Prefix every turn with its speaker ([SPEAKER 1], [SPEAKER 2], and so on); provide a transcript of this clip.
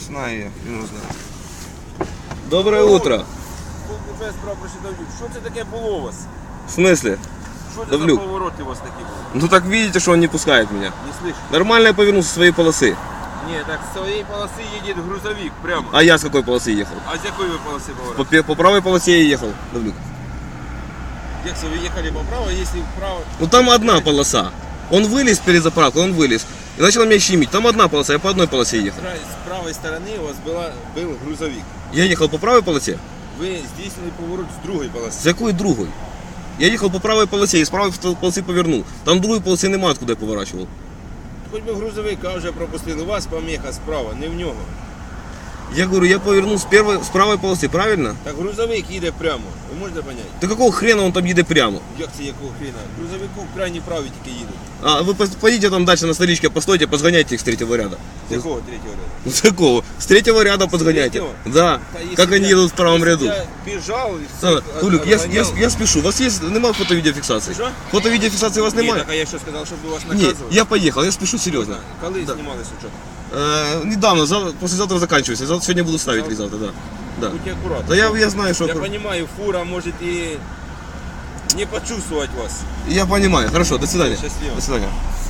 [SPEAKER 1] Знаю я, він знає.
[SPEAKER 2] Доброе утро.
[SPEAKER 3] Вже справа пройшли Давлюк. Що це таке було у вас?
[SPEAKER 2] В смысле?
[SPEAKER 3] Що це
[SPEAKER 2] Давлюк.
[SPEAKER 3] за повороти у вас такі були?
[SPEAKER 2] Ну так видите, что он не пускает меня.
[SPEAKER 3] Не слышу.
[SPEAKER 2] Нормально я повернул со своей полосы.
[SPEAKER 3] Ні, так з своєї полоси їде грузовик прямо.
[SPEAKER 2] А я с какой полосы ехал?
[SPEAKER 3] А з якої ви полоси поворот?
[SPEAKER 2] По правой полосе я ехал, Давлюк.
[SPEAKER 3] Як це ви їхали поправо, якщо вправо?
[SPEAKER 2] Ну там одна полоса. Он вылез перед заправкой, он вылез. И начал меня щемить. Там одна полоса, я по одной полосе ехал.
[SPEAKER 3] З правої сторони у вас був грузовик.
[SPEAKER 2] Я ехал по правой полосе?
[SPEAKER 3] Ви здійснили поворот з другої полоси.
[SPEAKER 2] С какой другой? Я ехал по правой полосе и с правой полосы повернул. Там другой полосы нема, откуда я поворачивал.
[SPEAKER 3] Хоч би грузовика вже пропустили, у вас поміха справа, не в нього.
[SPEAKER 2] Я говорю, я повернул с правой полосы, правильно?
[SPEAKER 3] Так грузовик їде прямо, ви можете зрозуміти?
[SPEAKER 2] Да какого хрена он там едет прямо?
[SPEAKER 3] Як це якого хрена? Грузовику в крайній правій тільки їдуть.
[SPEAKER 2] А вы поедете там дальше на столичке, постойте, позгоняйте их с третьего ряда.
[SPEAKER 3] З якого третього ряду?
[SPEAKER 2] Ну, с какого? С третьего ряда подгоняйте.
[SPEAKER 3] третьего?
[SPEAKER 2] Да.
[SPEAKER 3] Та якщо
[SPEAKER 2] Как они
[SPEAKER 3] я-
[SPEAKER 2] едут в правом
[SPEAKER 3] якщо
[SPEAKER 2] ряду.
[SPEAKER 3] Я біжав і
[SPEAKER 2] Да.
[SPEAKER 3] всіх
[SPEAKER 2] Тулик,
[SPEAKER 3] отганяв.
[SPEAKER 2] я спешу. У вас есть, нема фото-видеофиксации?
[SPEAKER 3] Что?
[SPEAKER 2] Фото-видеофиксации у вас
[SPEAKER 3] Ні,
[SPEAKER 2] немає?
[SPEAKER 3] так а я що сказав, щоб вас
[SPEAKER 2] Нет,
[SPEAKER 3] наказували?
[SPEAKER 2] я поехал, я спешу серьезно.
[SPEAKER 3] Коли
[SPEAKER 2] Да.
[SPEAKER 3] знімали сучок?
[SPEAKER 2] Недавно, послезавтра заканчивается. Сегодня буду ставить или завтра, да. Да.
[SPEAKER 3] Будьте аккуратны.
[SPEAKER 2] Да я знаю, что...
[SPEAKER 3] Я понимаю, фура может и не почувствовать вас.
[SPEAKER 2] Я понимаю. Хорошо, до свидания.
[SPEAKER 3] Счастливо.
[SPEAKER 2] До свидания.